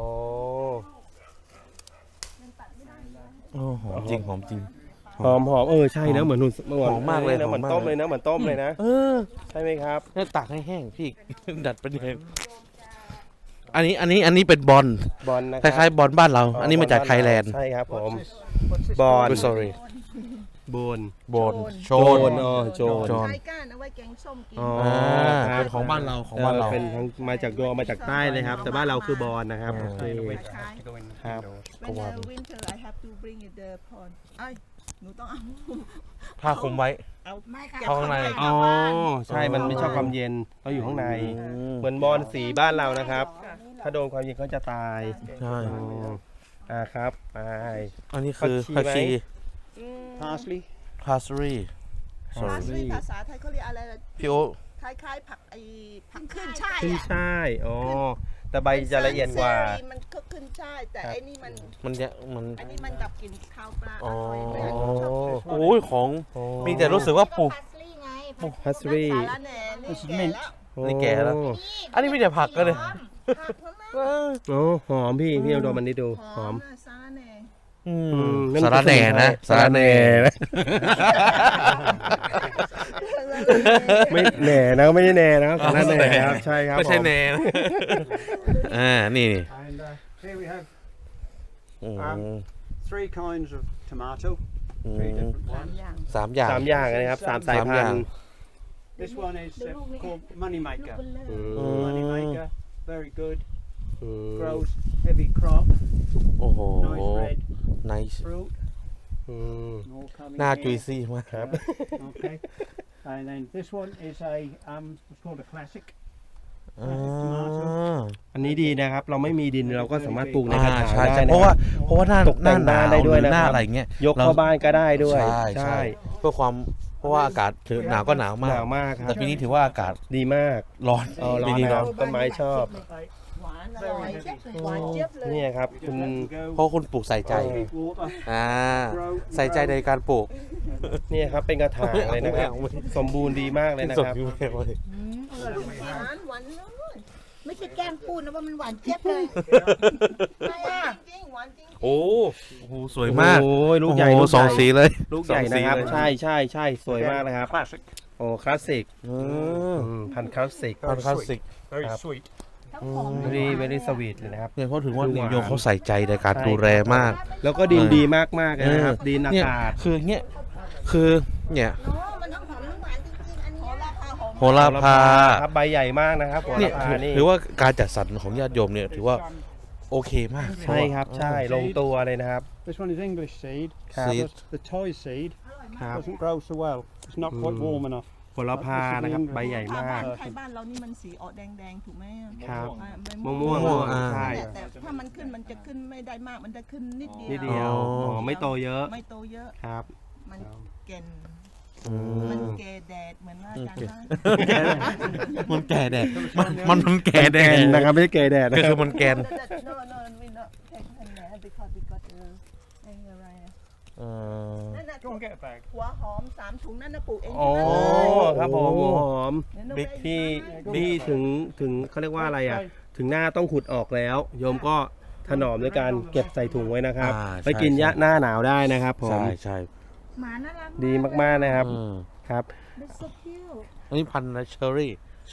[SPEAKER 1] โอ้หอมจริงหอมจริง
[SPEAKER 2] หอมหอมใช่นะเหมือนนุ่น
[SPEAKER 1] หอมมากเลย
[SPEAKER 2] นะเหมือน
[SPEAKER 1] หอมมาก
[SPEAKER 2] ต้มเลยนะเหมือนต้มเลยนะ
[SPEAKER 1] เออ
[SPEAKER 2] ใช่ไหมครับ
[SPEAKER 1] เนี่ยตากให้แห้งพี่ ดัดเป็นยังไงอันนี้เป็นบอล
[SPEAKER 2] บอลนะ
[SPEAKER 1] คล้ายๆบอลบ้านเรา อันนี้มาจากไทยแลนด์
[SPEAKER 2] ใช่ครับผม
[SPEAKER 3] What's this?
[SPEAKER 2] บอล
[SPEAKER 1] sorry
[SPEAKER 2] บอล
[SPEAKER 1] บอลโช
[SPEAKER 2] โจ
[SPEAKER 1] น
[SPEAKER 2] นโจน
[SPEAKER 1] โจ
[SPEAKER 4] ใช้ก้านเอาไว้แกงส้มกิน
[SPEAKER 2] อ๋อ
[SPEAKER 1] เป็นของบ้านเราของบ้านเรา
[SPEAKER 2] เป็นทั้งมาจากโยมาจากใต้เลยครับ แต่บ้านเราคือบอลนะครับ
[SPEAKER 1] อ่า
[SPEAKER 2] โอเค
[SPEAKER 4] คล้าย
[SPEAKER 3] To go in
[SPEAKER 2] Have.
[SPEAKER 3] indoors.
[SPEAKER 4] When winter I have to bring it the pond ไอ้ยหนูต้องเอา
[SPEAKER 1] ผ้าคลุมไว้
[SPEAKER 4] เอา
[SPEAKER 5] ไม่ค่ะ
[SPEAKER 1] เข้าข้างใน
[SPEAKER 2] อ๋อใช่มันไม่ชอบความเย็นต้องอยู่ข้างใน เหมือนบอลสีบ้านเรานะครับ ถ้าโดนความเย็นเขาจะตาย
[SPEAKER 1] ใช่
[SPEAKER 2] ครับไป
[SPEAKER 1] อันนี้คือ
[SPEAKER 2] ผั
[SPEAKER 1] ผั
[SPEAKER 2] ก
[SPEAKER 1] ก
[SPEAKER 2] ชี
[SPEAKER 1] ชี
[SPEAKER 2] ไหม
[SPEAKER 3] Parsley.
[SPEAKER 1] พาสรี
[SPEAKER 4] พาสลีย์ภาษาไทยเขาเรียกอะไรล่ะ
[SPEAKER 1] พี่โอ
[SPEAKER 4] คล้ายๆผักไอ้ผัก
[SPEAKER 5] ขึ้
[SPEAKER 4] ขึ้
[SPEAKER 5] น
[SPEAKER 4] น
[SPEAKER 5] ช่า
[SPEAKER 4] ช่าย ย
[SPEAKER 2] ขึ้น
[SPEAKER 4] อะ
[SPEAKER 2] ช่ายอ๋อแต่ใบจะละเอียดกว่า
[SPEAKER 4] เซรี่มันก็ขึ้นช่ายแต่
[SPEAKER 2] ครับ
[SPEAKER 4] ไอ้นี่มัน
[SPEAKER 1] มันจะมัน
[SPEAKER 4] อันนี้มันดับกลิ่นคาวปลาอ
[SPEAKER 1] อ๋อ
[SPEAKER 4] ร่อยไม่อยากชอบ
[SPEAKER 1] โอ้ยของมีแต่รู้สึกว่าปลูก
[SPEAKER 5] พาสลีย์ไง
[SPEAKER 2] พัสรี
[SPEAKER 4] สาระแหน่นี่แก่แล้ว
[SPEAKER 1] นี่แก่แล้ว อันนี้มีแต่ผักก็เลย
[SPEAKER 4] ผักทั้งนั้น
[SPEAKER 1] เออ
[SPEAKER 2] โอ้หอมพี่เอาดมมันนี้ดูหอม
[SPEAKER 4] น่ะสาระแหน่
[SPEAKER 1] อืม
[SPEAKER 2] นั่น
[SPEAKER 1] สาระแหน่นะ
[SPEAKER 2] สาระแหน่นะ
[SPEAKER 4] แล้ว
[SPEAKER 2] ไม่แหน่นะไม่ได้แหน่นะครับสาระแหน่ครับใช่ครับ
[SPEAKER 1] ไม่ใช่
[SPEAKER 2] ผม
[SPEAKER 1] แนนะนี่
[SPEAKER 3] And here we have
[SPEAKER 1] อืม
[SPEAKER 3] 3 kinds of tomato,
[SPEAKER 1] อื
[SPEAKER 3] 3
[SPEAKER 1] ม
[SPEAKER 3] different
[SPEAKER 4] สามอย่าง
[SPEAKER 1] 3 อย่าง
[SPEAKER 2] 3 อย่างนะครับ3 สายพันธุ์
[SPEAKER 3] This one is called Moneymaker.
[SPEAKER 2] อืม
[SPEAKER 3] Moneymaker, very good.
[SPEAKER 2] อืม
[SPEAKER 3] Grows heavy crop,
[SPEAKER 1] โอ้โห
[SPEAKER 3] nice red
[SPEAKER 1] nice
[SPEAKER 3] fruit.
[SPEAKER 2] อืม
[SPEAKER 3] All coming
[SPEAKER 1] หน้า
[SPEAKER 3] here.
[SPEAKER 1] จุยซี่มาก
[SPEAKER 2] ครับ
[SPEAKER 3] Okay. And then this one is it's called a classic.
[SPEAKER 1] อ่า
[SPEAKER 2] อันนี้ดีนะครับ เราไม่มีดินเราก็สามารถปลูกในกระถาง
[SPEAKER 1] ใช่
[SPEAKER 2] ได้
[SPEAKER 1] ใช่
[SPEAKER 2] นะ
[SPEAKER 1] เพราะ
[SPEAKER 2] ค
[SPEAKER 1] ว่า
[SPEAKER 2] รับ
[SPEAKER 1] เพราะว่าหน้า
[SPEAKER 2] ตกแต่ง
[SPEAKER 1] หน้าหนาว
[SPEAKER 2] บ้านได้ด้วย
[SPEAKER 1] หรือหน้า
[SPEAKER 2] นะครับ
[SPEAKER 1] อะไรเงี้ย
[SPEAKER 2] ยกเข้าบ้านก็ได้ด้วย
[SPEAKER 1] ใช่เพื่อความเพราะว่าอากาศถือหนาวก็หนาว
[SPEAKER 2] ห
[SPEAKER 1] มาก
[SPEAKER 2] นาวมากครั
[SPEAKER 1] แต่
[SPEAKER 2] บ
[SPEAKER 1] ปีนี้ถือว่าอากาศ
[SPEAKER 2] ดีมาก
[SPEAKER 1] ร้อน
[SPEAKER 2] ร้
[SPEAKER 1] ปี
[SPEAKER 2] อน
[SPEAKER 1] นี้
[SPEAKER 2] นะค
[SPEAKER 1] ร้
[SPEAKER 2] รั
[SPEAKER 1] อบ น
[SPEAKER 2] ต้นไม้ชอบ
[SPEAKER 4] หวานอร่อยหวานเจี๊ยบเลย
[SPEAKER 2] นี่ครับคุณ
[SPEAKER 1] เพราะคุณปลูกใส่ใจ
[SPEAKER 3] Water.
[SPEAKER 1] ใส่ใจในการปลูก
[SPEAKER 2] นี่ครับเป็นกระถางเลยนะครับ สมบูรณ์ดีมากเลยนะครับ
[SPEAKER 1] สดอยู่เลย
[SPEAKER 4] หวานหวานเลย
[SPEAKER 5] ไม่ใช่แกล้งพูดนะว่ามันหวานเจี๊ยบเลย
[SPEAKER 4] ไม่อะจริงหวานจริง
[SPEAKER 1] โอ้โหสวยมาก
[SPEAKER 2] โอ้ยลูกใหญ่
[SPEAKER 1] โอ้โ
[SPEAKER 2] ลูกใหญ่
[SPEAKER 1] สองสีเลย
[SPEAKER 2] ลูกใหญ่นะครับ
[SPEAKER 1] สองสีเลย
[SPEAKER 2] ใช่ใช่ใช่สวยมากเลยครับ
[SPEAKER 3] Classic.
[SPEAKER 2] โอ้คลาสสิก
[SPEAKER 1] อืม
[SPEAKER 2] พันธุ์คลาสสิก
[SPEAKER 1] พันธุ์คลาสสิก
[SPEAKER 3] Very
[SPEAKER 2] Yep.
[SPEAKER 3] sweet.
[SPEAKER 2] very sweet เลยนะครับ
[SPEAKER 1] เนี่ยเขาถึงว่า
[SPEAKER 2] ดู
[SPEAKER 1] นิ
[SPEAKER 2] หวาน
[SPEAKER 1] ยมเขาใส่ใจในการ
[SPEAKER 2] ใช่
[SPEAKER 1] ดูแลมาก
[SPEAKER 2] แล้วก็ดินดีมากๆเลยนะครับ ดินอา
[SPEAKER 1] เนี่ย
[SPEAKER 2] กาศ
[SPEAKER 1] คือเนี่ยคือเนี่ย
[SPEAKER 5] โอ้มันทั้งหอมทั้งหวานจริงๆ อันนี้
[SPEAKER 4] ราคาหอม
[SPEAKER 1] โหระพา
[SPEAKER 2] ครับใบใหญ่มากนะครับโห
[SPEAKER 1] เนี่ย
[SPEAKER 2] ระพานี่
[SPEAKER 1] ถือว่าการจัดสรรของญาติโยมเนี่ยถือว่าโอเคมาก
[SPEAKER 2] ใช่ครับใช่ลงตัวเลยนะครับ
[SPEAKER 3] This one is English seed.
[SPEAKER 1] Seed.
[SPEAKER 3] The toy seed
[SPEAKER 2] ครับ
[SPEAKER 3] doesn't grow so well. It's not quite warm enough.
[SPEAKER 2] โหระพานะครับใบใหญ่
[SPEAKER 4] ถ้าม
[SPEAKER 2] า
[SPEAKER 4] บ้าก นไทยบ้านเรานี่มันสีออกแดงๆถูกไหมอะ
[SPEAKER 2] ครับ
[SPEAKER 4] อ่าใบ
[SPEAKER 2] ม่วง
[SPEAKER 1] ม่วง
[SPEAKER 2] ม่วง
[SPEAKER 1] อ่า
[SPEAKER 2] ใช่
[SPEAKER 4] แต่ถ้ามันขึ้นมันจะขึ้นไม่ได้มากมันจะขึ้นนิดเดียว
[SPEAKER 2] นิดเดียวอ๋อไม่โตเยอะ
[SPEAKER 4] ไม่โตเยอะ
[SPEAKER 2] ครับ
[SPEAKER 4] มันเก่น
[SPEAKER 1] อื
[SPEAKER 4] มัน
[SPEAKER 1] ม
[SPEAKER 4] เกแดดเหมือนว่าอาจารย์ว่า
[SPEAKER 1] มันแก่แดดมันแก่แด
[SPEAKER 2] แก
[SPEAKER 1] ด
[SPEAKER 2] นนะครับไม่ใช่เกยแดด
[SPEAKER 1] ก็
[SPEAKER 2] นะค
[SPEAKER 1] คื
[SPEAKER 2] รับ
[SPEAKER 1] อมันแกน
[SPEAKER 4] No, we not take him there because we gotอะไรอะ
[SPEAKER 1] เอ่อ
[SPEAKER 4] นั่นน่ะ
[SPEAKER 3] Go and get a bag.
[SPEAKER 4] หัวหอม3 ถุงนั่นน่ะปลูกเอง
[SPEAKER 2] โอ้
[SPEAKER 4] ทั้งนั้นเลย
[SPEAKER 2] ครับผมหัวหอม
[SPEAKER 4] เดี๋ยวหนู
[SPEAKER 1] บิ๊ก
[SPEAKER 4] ไป
[SPEAKER 2] ที่ถึงเขาเรียกว่าอะไรอ่ะ ถึงหน้าต้องขุดออกแล้ว โยมก็ถนอมด้วยการเก็บใส่ถุงไว้นะครับ ไปกินยะหน้าหนาวได้นะครับผม
[SPEAKER 1] ใช่ใช่
[SPEAKER 5] หมาน่ารัก
[SPEAKER 2] ดีมากๆนะครับ
[SPEAKER 1] อืม
[SPEAKER 2] ครับ
[SPEAKER 5] เป็นซุปคิ้ว
[SPEAKER 1] อันนี้พันธุ์อะไรเชอรี่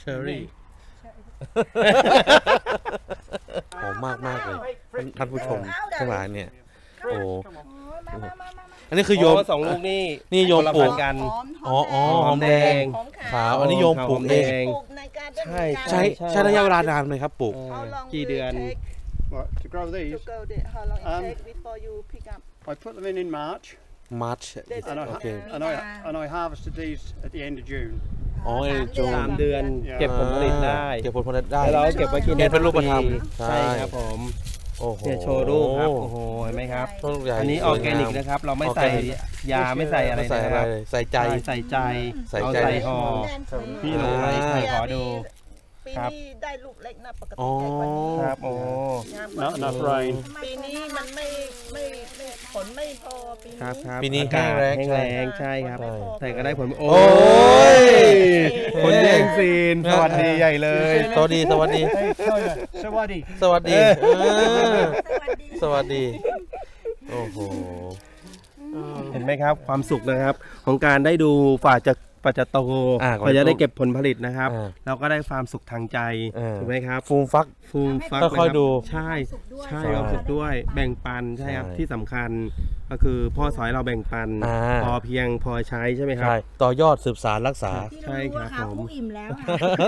[SPEAKER 1] หอมมากมากเลยท่านผู้ชมทั้งหลายเนี่ย โอ้
[SPEAKER 5] โอ้ยมา
[SPEAKER 1] อันนี้คือโยม
[SPEAKER 2] สองลูกนี่
[SPEAKER 1] นี่โยม
[SPEAKER 2] คนละ
[SPEAKER 1] ปลู
[SPEAKER 2] พั
[SPEAKER 1] ก
[SPEAKER 2] นธุ์กัน
[SPEAKER 4] หอม
[SPEAKER 1] อ๋ออ๋อ
[SPEAKER 2] หอมแดง
[SPEAKER 4] หอม
[SPEAKER 1] ขาวอันนี้โยมปลูกเอง
[SPEAKER 4] ปลูกในการเดิน
[SPEAKER 2] ใช่
[SPEAKER 1] ใช้ใช้ระยะเวลานานไหมครับปลูก
[SPEAKER 4] How long
[SPEAKER 2] กี่
[SPEAKER 4] will
[SPEAKER 2] เดือน
[SPEAKER 4] it take
[SPEAKER 3] Right, to grow
[SPEAKER 4] to
[SPEAKER 3] these,
[SPEAKER 4] grow it? How long it
[SPEAKER 3] Um,
[SPEAKER 4] take before you pick up?
[SPEAKER 3] I put them in March,
[SPEAKER 1] March
[SPEAKER 3] and I,
[SPEAKER 1] โอเค
[SPEAKER 3] and I harvested these at the end of June.
[SPEAKER 1] อ๋อเอโจ
[SPEAKER 2] 3 เดือนเก็บผลผลิตได้
[SPEAKER 1] เก็บผลผลิตได้
[SPEAKER 2] แล้วเราเก็บไว้กิน
[SPEAKER 1] เห็นเป็นรูปธรรม
[SPEAKER 2] ใช่ครับผม
[SPEAKER 1] โอ้โห
[SPEAKER 2] เนี่ยโชว์รูปครับ โอ้โห เห็นไหมครับ
[SPEAKER 1] ต้นใหญ่
[SPEAKER 2] อันนี้อ
[SPEAKER 1] ส
[SPEAKER 2] อ
[SPEAKER 1] วย
[SPEAKER 2] ร์แก
[SPEAKER 1] งาม
[SPEAKER 2] นิกนะครับ เราไม่ใส่ยาไม่ใส่อะไร
[SPEAKER 1] ไม่ใส่
[SPEAKER 2] นะ
[SPEAKER 1] อะ
[SPEAKER 2] ค
[SPEAKER 1] ไร
[SPEAKER 2] รับ
[SPEAKER 1] เลยใส่ใจ
[SPEAKER 2] ใส่ใจ
[SPEAKER 1] ใส่
[SPEAKER 2] เอา
[SPEAKER 1] ใจ
[SPEAKER 2] ใส่ห่อ พี่ลงไลน์ใครขอดู
[SPEAKER 4] ปี
[SPEAKER 2] ครับ
[SPEAKER 4] นี้ได้ลูกเล็กนะปก
[SPEAKER 1] อ๋
[SPEAKER 4] ติ
[SPEAKER 1] อ
[SPEAKER 4] ใหญ่กว่านี้
[SPEAKER 2] ครับโอ้
[SPEAKER 4] งามกว่า
[SPEAKER 3] Not enough rain.
[SPEAKER 4] ปีนี้มันไม่ผลไม่พอปี
[SPEAKER 2] ครับ
[SPEAKER 4] นี้
[SPEAKER 2] ครับ
[SPEAKER 1] ปีนี้
[SPEAKER 2] อากาศ
[SPEAKER 1] แห้
[SPEAKER 2] แห้
[SPEAKER 1] ง
[SPEAKER 2] ง
[SPEAKER 1] แล้
[SPEAKER 2] แรง งใช่ครับ
[SPEAKER 4] ใช่
[SPEAKER 2] แต่ก็ได้ผล
[SPEAKER 1] โอ้ย
[SPEAKER 2] คนแย่งซีน สวัสดีใหญ่เลย
[SPEAKER 1] สวัสดีสวัสดี
[SPEAKER 3] Hey, Tyler, Sawadi.
[SPEAKER 1] สวัสดี
[SPEAKER 2] เออ
[SPEAKER 1] เออสวัสดี โอ้โห
[SPEAKER 2] เห็นไหมครับ ความสุขนะครับ ของการได้ดูฝ่าจะโต
[SPEAKER 1] อ่า
[SPEAKER 2] ฝ่าจะได้เก็บผลผลิตนะครับ
[SPEAKER 1] อ่า
[SPEAKER 2] เราก็ได้ความสุขทางใจ
[SPEAKER 1] อ่า
[SPEAKER 2] ถูกไหมครับ
[SPEAKER 1] ฟูมฟัก
[SPEAKER 2] ฟูมฟัก
[SPEAKER 1] ค่อยๆ
[SPEAKER 2] นะรับ
[SPEAKER 1] ดู
[SPEAKER 2] ใช่ใช่
[SPEAKER 1] ใช่
[SPEAKER 2] ความสุขด้วยแบ่งปันใช่ครับ
[SPEAKER 1] ใช่
[SPEAKER 2] ที่สำคัญก็คือพ่อสอนให้เราแบ่งปัน
[SPEAKER 1] อ่า
[SPEAKER 2] พอเพียงพอใช้ใช่ไหมครับ
[SPEAKER 1] ใช่ต่อยอดสืบสารรักษา
[SPEAKER 5] ที่เรารู้ว่า
[SPEAKER 2] ใช่ครับ
[SPEAKER 5] ขา
[SPEAKER 2] ผม
[SPEAKER 5] คู่อิ่มแล้วอะ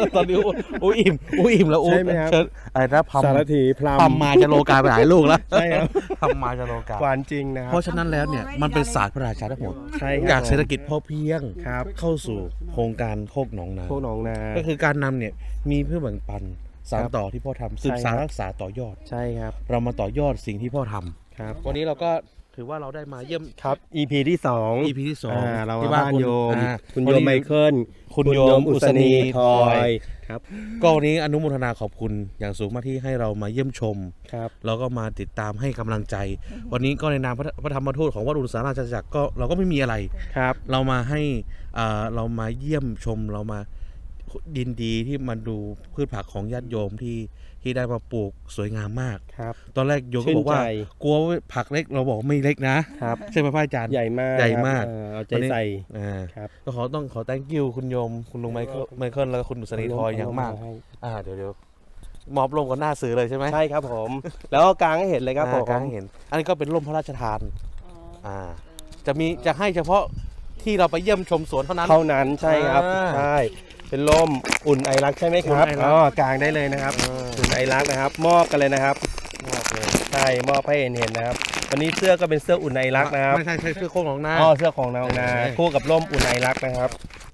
[SPEAKER 1] ตอนนี้อุ้ยอิ่มอุ้ยอิ่มแล้วอุ้
[SPEAKER 2] ใช่ไหมครับ
[SPEAKER 1] เชิญอะไรนะพัม
[SPEAKER 2] สารถีพลัม
[SPEAKER 1] พัมมาจะโลกาไปหลายลูกแล้ว
[SPEAKER 2] ใช่ครับ
[SPEAKER 1] พัมมาจะโลกา
[SPEAKER 2] หวานจริงนะครั
[SPEAKER 1] เพราะฉะนั้นแล้วเนี่ยมันเป็นศาสตร์พระราชาทั้งหมด
[SPEAKER 2] ใช่ครับ
[SPEAKER 1] จากเศรษฐกิจพอเพียง
[SPEAKER 2] ครับ
[SPEAKER 1] เข้าสู่โครงการโคกหนองนา
[SPEAKER 2] พวกหนองนา
[SPEAKER 1] ก็คือการนำเนี่ยมีเพื่อแบ่งปันสาน
[SPEAKER 2] ครับ
[SPEAKER 1] ต่อที่พ่อทำสืบ
[SPEAKER 2] ใช่
[SPEAKER 1] สาร
[SPEAKER 2] ครับ
[SPEAKER 1] รักษาต่อยอด
[SPEAKER 2] ใช่ครับ
[SPEAKER 1] เรามาต่อยอดสิ่งที่พ่อทำ
[SPEAKER 2] ครับ
[SPEAKER 1] วันนี้เราก็ถือว่าเราได้มาเยี่ยม
[SPEAKER 2] ครับ EP ที่2
[SPEAKER 1] EP ที่สอง
[SPEAKER 2] เรา
[SPEAKER 1] ที่
[SPEAKER 2] บ้าน
[SPEAKER 1] คุณ
[SPEAKER 2] โยม คุณ
[SPEAKER 1] วัน
[SPEAKER 2] โยม
[SPEAKER 1] นี้
[SPEAKER 2] ไมเคิล
[SPEAKER 1] คุณโยมอุศนีทอย
[SPEAKER 2] ครับ
[SPEAKER 1] ก็วันนี้อนุโมทนาขอบคุณอย่างสูงมากที่ให้เรามาเยี่ยมชม
[SPEAKER 2] ครับ
[SPEAKER 1] แล้วก็มาติดตามให้กำลังใจ วันนี้ก็ในนามพระธรรมทูตของวัดอุตสาราชจักรก็เราก็ไม่มีอะไร
[SPEAKER 2] ครับ
[SPEAKER 1] เรามาให้เรามาเยี่ยมชมเรามายินดีที่มาดูพืชผักของญาติโยมที่ได้มาปลูกสวยงามมาก
[SPEAKER 2] ครับ
[SPEAKER 1] ตอนแรกโยมก็บอกว่า
[SPEAKER 2] ชื่นใจ
[SPEAKER 1] กลัวว่าผักเล็กเราบอกไม่เล็กนะครับ ใช่ไหมพระอาจารย์
[SPEAKER 2] ใหญ่มาก
[SPEAKER 1] ใหญ่มาก
[SPEAKER 2] ครับเอาใจ
[SPEAKER 1] วันนี้
[SPEAKER 2] ใส่
[SPEAKER 1] อ่า
[SPEAKER 2] ครับ
[SPEAKER 1] ก็ต้องขอ thank you คุณโยมคุณลุงไมเคิลแล้วก็คุณสนิทอยอย่างมาก เดี๋ยวมอบร่มกับหน้าสื่อเลยใช่ไหม
[SPEAKER 2] ใช่ครับผม แล้วก็กางให้เห็นเลยครับผม
[SPEAKER 1] กางให้เห็น อันนี้ก็เป็นร่มพระราชทาน
[SPEAKER 4] อ๋อ
[SPEAKER 1] จะให้เฉพาะที่เราไปเยี่ยมชมสวนเท่านั้น
[SPEAKER 2] เท่านั้นใช่ครับ
[SPEAKER 1] อ่า
[SPEAKER 2] ใช่เป็นร่มอุ่นไอรักใช่ไหมครับ
[SPEAKER 1] อุ่นไอรัก
[SPEAKER 2] อ๋อกางได้เลยนะครับ อุ่นไอรักนะครับ มอบกันเลยนะครับ
[SPEAKER 1] มอบเลย
[SPEAKER 2] ใช่มอบให้เห็นนะครับวันนี้เสื้อก็เป็นเสื้ออุ่นไอรักนะครับ
[SPEAKER 1] ไม่ใช่เสื้อโค้งของหน้า
[SPEAKER 2] อ๋อเสื้อของนางนา
[SPEAKER 1] เออ
[SPEAKER 2] คู่กับร่มอุ่นไอรักนะครับ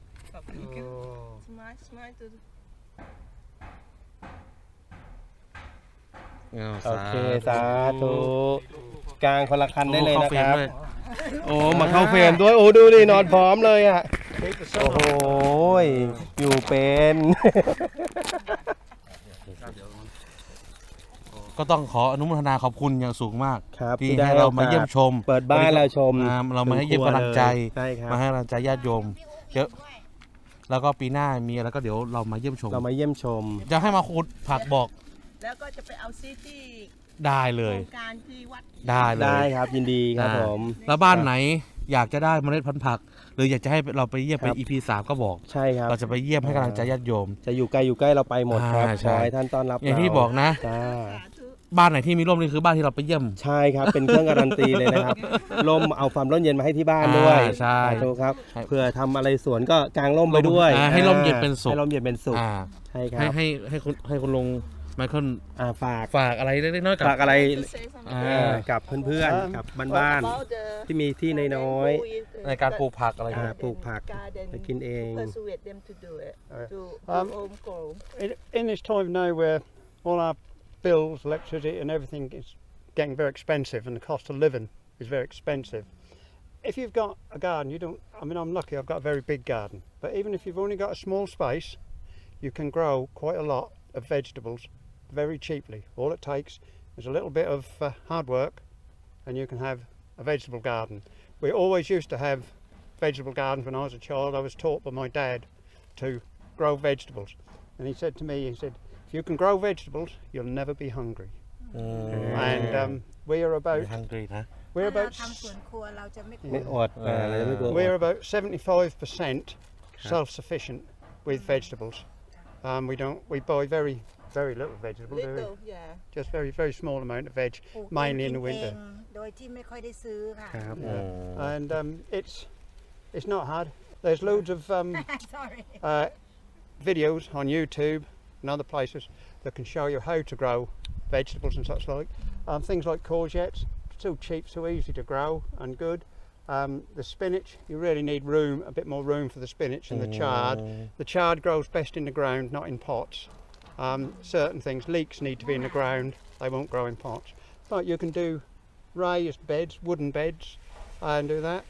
[SPEAKER 4] smile to
[SPEAKER 2] โอเคสาธุกางคนละคันได้เลยนะครับ โอ้มาเข้าเฟรมด้วยโอ้ดูดินอนพร้อมเลยอ่ะโอ้โหอยู่เป็น
[SPEAKER 1] ก็ต้องขออนุโมทนาขอบคุณอย่างสูงมาก
[SPEAKER 2] ครับ
[SPEAKER 1] ที่
[SPEAKER 2] ที่ได้
[SPEAKER 1] ให้เรามาเยี่ยมชม
[SPEAKER 2] เปิดบ้านเราชม
[SPEAKER 1] เรามาให้เยี่ยมกำลังใจ
[SPEAKER 2] ใช่ครับ
[SPEAKER 1] มาให้กำลังใจญาติโยมเยอะแล้วก็ปีหน้ามีอะไรก็เดี๋ยวเรามาเยี่ยมชม
[SPEAKER 2] เรามาเยี่ยมชม
[SPEAKER 1] จะให้มาขุดผักบอก
[SPEAKER 4] แล้วก็จะไปเอาซีที่
[SPEAKER 1] ได้เล
[SPEAKER 4] โคร
[SPEAKER 1] ย
[SPEAKER 4] งการที่วัด
[SPEAKER 1] ได้เลย
[SPEAKER 2] ได้ครับยินดีครับผม
[SPEAKER 1] แล้วบ้านไหนอยากจะได้เมล็ดพันธุ์ผัก หรืออยากจะให้เราไปเยี่ยม
[SPEAKER 2] ครั
[SPEAKER 1] เป็น
[SPEAKER 2] บ
[SPEAKER 1] EP 3ก็บอก
[SPEAKER 2] ใช่ครับ
[SPEAKER 1] เราจะไปเยี่ยมให้กำลังใจญาติโยม
[SPEAKER 2] จะอยู่ไกลอยู่ใกล้เราไปหมดครับ
[SPEAKER 1] ใช่
[SPEAKER 2] ขอให้ท่านต้อนรับ
[SPEAKER 1] อย่างที่
[SPEAKER 2] เร
[SPEAKER 1] บอกนะ
[SPEAKER 2] จ้า
[SPEAKER 4] สาธุ
[SPEAKER 1] บ้านไหนที่มีร่มนี่คือบ้านที่เราไปเยี่ยม
[SPEAKER 2] ใช่ครับเป็นเครื่องการันตีเลยนะครับร่มเอาความร่มเย็นมาให้ที่บ้านด้วย
[SPEAKER 1] ใช่
[SPEAKER 2] สาธุครับ
[SPEAKER 1] ใช่
[SPEAKER 2] เผื่อทำอะไรสวนก็กางร่มไปด้วย
[SPEAKER 1] ให้ร่มเย็นเป็นสุข
[SPEAKER 2] ให้ร่มเย็นเป็นสุข
[SPEAKER 1] อ่า
[SPEAKER 2] ใช่ครั
[SPEAKER 1] ให้
[SPEAKER 2] บ
[SPEAKER 1] ให้คุณลุงไมเคิล
[SPEAKER 2] ฝาก
[SPEAKER 1] ฝากอะไรเล็กๆน้อยๆกับ
[SPEAKER 2] ฝากอะไร
[SPEAKER 4] To say something
[SPEAKER 2] กับเพื่อนๆกับบ้าน
[SPEAKER 4] about the
[SPEAKER 2] ๆที่มีที่น้อย
[SPEAKER 1] ในการปลูกผักอะไร
[SPEAKER 2] ๆ
[SPEAKER 1] เงี้ย
[SPEAKER 2] ปลูกผัก
[SPEAKER 4] garden
[SPEAKER 2] ไปกินเอง
[SPEAKER 4] to persuade them to do it to home grow
[SPEAKER 3] In this time now where all our bills, electricity and everything is getting very expensive and the cost of living is very expensive. If you've got a garden, I'm lucky, I've got a very big garden, but even if you've only got a small space, you can grow quite a lot of vegetables very cheaply. All it takes is a little bit of hard work and you can have a vegetable garden. We always used to have vegetable gardens when I was a child. I was taught by my dad to grow vegetables, and he said to me, if you can grow vegetables, you'll never be hungry. And we are
[SPEAKER 1] ไม่
[SPEAKER 3] about
[SPEAKER 1] ฮังกรีนะ
[SPEAKER 3] we're
[SPEAKER 5] ถ้าเรา
[SPEAKER 3] about
[SPEAKER 5] ทำสวนครัวเราจะไม่กลั
[SPEAKER 2] ไม่
[SPEAKER 5] ว
[SPEAKER 2] อดเราจะไม่กลัวอ
[SPEAKER 3] we're
[SPEAKER 2] ด
[SPEAKER 3] about 75% self-sufficient with vegetables. We buy very little vegetable, do we?
[SPEAKER 4] little yeah
[SPEAKER 3] Just very small amount of veg,
[SPEAKER 5] ปลูก
[SPEAKER 3] mainly in the
[SPEAKER 5] เอง
[SPEAKER 3] winter.
[SPEAKER 5] โดยที่ไม่ค่อยได้ซื้อค่ะ
[SPEAKER 2] ครับ
[SPEAKER 3] And it's not hard. There's loads of
[SPEAKER 5] sorry
[SPEAKER 3] videos on YouTube and other places that can show you how to grow vegetables and such like. Things like courgettes, so cheap, so easy to grow and good. The spinach, you really need a bit more room for the spinach and the chard. The chard grows best in the ground, not in pots. Certain things, leeks need to be in the ground, they won't grow in pots. But you can do raised beds, wooden beds, and do that.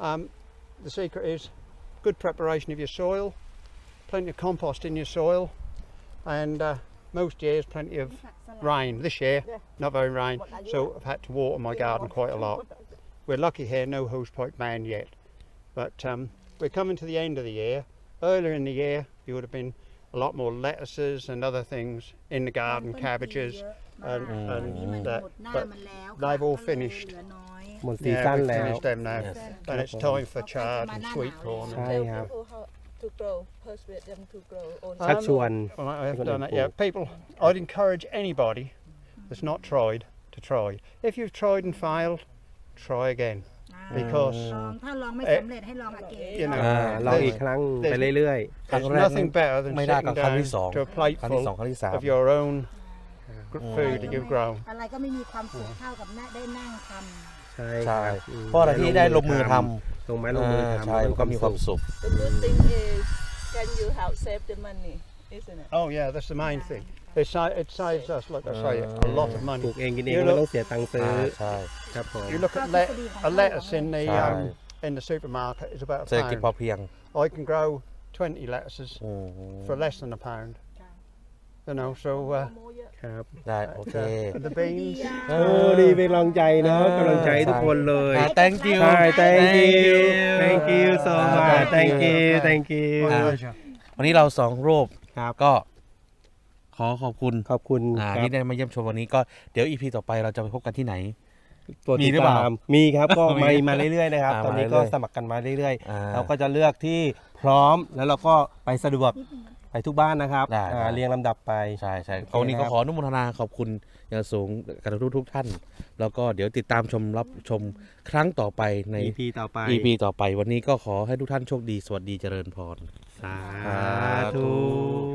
[SPEAKER 3] The secret is good preparation of your soil, plenty of compost in your soil, and most years plenty of rain. This year, not very rain, so I've had to water my garden quite a lot. We're lucky here, no hosepipe ban yet, but we're coming to the end of the year. Earlier in the year, you would have been a lot more lettuces and other things in the garden, cabbages, and
[SPEAKER 5] นี่มันหม
[SPEAKER 3] that,
[SPEAKER 5] ดหน้า
[SPEAKER 3] but
[SPEAKER 5] มันแล้ว
[SPEAKER 3] they've all
[SPEAKER 5] ก็เลย
[SPEAKER 3] finished.
[SPEAKER 5] เหลือน้อย
[SPEAKER 2] หมดซี
[SPEAKER 3] yeah,
[SPEAKER 2] ซั่น
[SPEAKER 3] we've
[SPEAKER 2] แล้ว
[SPEAKER 3] finished them now,
[SPEAKER 1] Yes.
[SPEAKER 3] and it's time for chard and sweet corn.
[SPEAKER 2] ใช่
[SPEAKER 4] tell
[SPEAKER 2] ครับ
[SPEAKER 4] people how to grow persuade them to grow own
[SPEAKER 2] ชักชวน
[SPEAKER 3] Well, I have
[SPEAKER 2] Good
[SPEAKER 3] done that.
[SPEAKER 2] info.
[SPEAKER 3] Yeah, people. I'd encourage anybody that's not tried to try. If you've tried and failed, try again, because
[SPEAKER 5] ลองถ้าลองไม่สำเร็จให้ลองอเกน
[SPEAKER 3] you know
[SPEAKER 2] ลองอีกครั้งไปเรื่อย
[SPEAKER 3] there's nothing better than
[SPEAKER 1] ไม่ได้
[SPEAKER 3] sitting
[SPEAKER 1] กับครั้ง
[SPEAKER 3] down
[SPEAKER 1] ที่สอง
[SPEAKER 3] to a
[SPEAKER 1] ครั้งที่
[SPEAKER 3] plateful
[SPEAKER 1] สองครั้งที่สาม
[SPEAKER 3] of your own food that you've grown.
[SPEAKER 5] อะไรก็ไม่มีความสุขเท่ากับได้นั่งท
[SPEAKER 2] ๆ ใช่
[SPEAKER 1] ใช่
[SPEAKER 2] ครับ
[SPEAKER 1] เพราะอะไรที่ได้ลงมือท
[SPEAKER 2] ลงไม้ลงมือ
[SPEAKER 1] ำ
[SPEAKER 2] ทำ
[SPEAKER 1] ใช่มันก็มีความสุข
[SPEAKER 4] the good thing is can you help save the money isn't it
[SPEAKER 3] Oh yeah, that's the main thing. It saves us, like I say, a lot of
[SPEAKER 2] ปลู
[SPEAKER 3] money.
[SPEAKER 2] กเองกินเองไม่ต้องเสียตังค์ซื้อ
[SPEAKER 1] ใช่
[SPEAKER 2] ครับผม
[SPEAKER 3] You look at a lettuce in the supermarket is about
[SPEAKER 1] เศรษฐ
[SPEAKER 3] a
[SPEAKER 1] กิจพอ
[SPEAKER 3] pound.
[SPEAKER 1] เพียง
[SPEAKER 3] I can grow 20 lettuces
[SPEAKER 1] อืม
[SPEAKER 3] for less than a pound. You know, so
[SPEAKER 4] โมเยอะ
[SPEAKER 2] ครับ
[SPEAKER 1] ได้โอเค
[SPEAKER 3] the beans.
[SPEAKER 2] โอ้ดีเป็นกำลังใจเนาะกำลังใจให้ทุกคนเลย
[SPEAKER 1] thank you
[SPEAKER 2] ใช่ thank you so much thank you
[SPEAKER 1] วันนี้เรา2รูป
[SPEAKER 2] ครับ
[SPEAKER 1] ก็ขอขอบคุณ
[SPEAKER 2] ขอบคุณครับ
[SPEAKER 1] ที่ได้มาเยี่ยมชมวันนี้ก็เดี๋ยว EP ต่อไปเราจะไปพบกันที่ไหน
[SPEAKER 2] ตัว
[SPEAKER 1] มี
[SPEAKER 2] ติด
[SPEAKER 1] หรือเปล่า
[SPEAKER 2] ตามมีครับก็
[SPEAKER 1] มี
[SPEAKER 2] มาเรื่อยๆนะครับ ตอนนี้
[SPEAKER 1] มาเรื่
[SPEAKER 2] ก็
[SPEAKER 1] อยๆ
[SPEAKER 2] สมัครกันมาเรื่อย
[SPEAKER 1] อ่า
[SPEAKER 2] ๆเราก็จะเลือกที่พร้อมแล้วเราก็ไปสะดวกไปทุกบ้านนะครับ
[SPEAKER 1] ได้ได้
[SPEAKER 2] เรียงลำดับไป
[SPEAKER 1] ใช่ใช่
[SPEAKER 2] โอเค
[SPEAKER 1] วันนี้ก็
[SPEAKER 2] ครับ
[SPEAKER 1] ขออนุโมทนาขอบคุณอย่างสูงกับทุกท่าน แล้วก็เดี๋ยวติดตามรับชมครั้งต่อไปใน
[SPEAKER 2] EP ต่อไป
[SPEAKER 1] EP ต่อไปวันนี้ก็ขอให้ทุกท่านโชคดีสวัสดีเจริญพร
[SPEAKER 2] สาธุ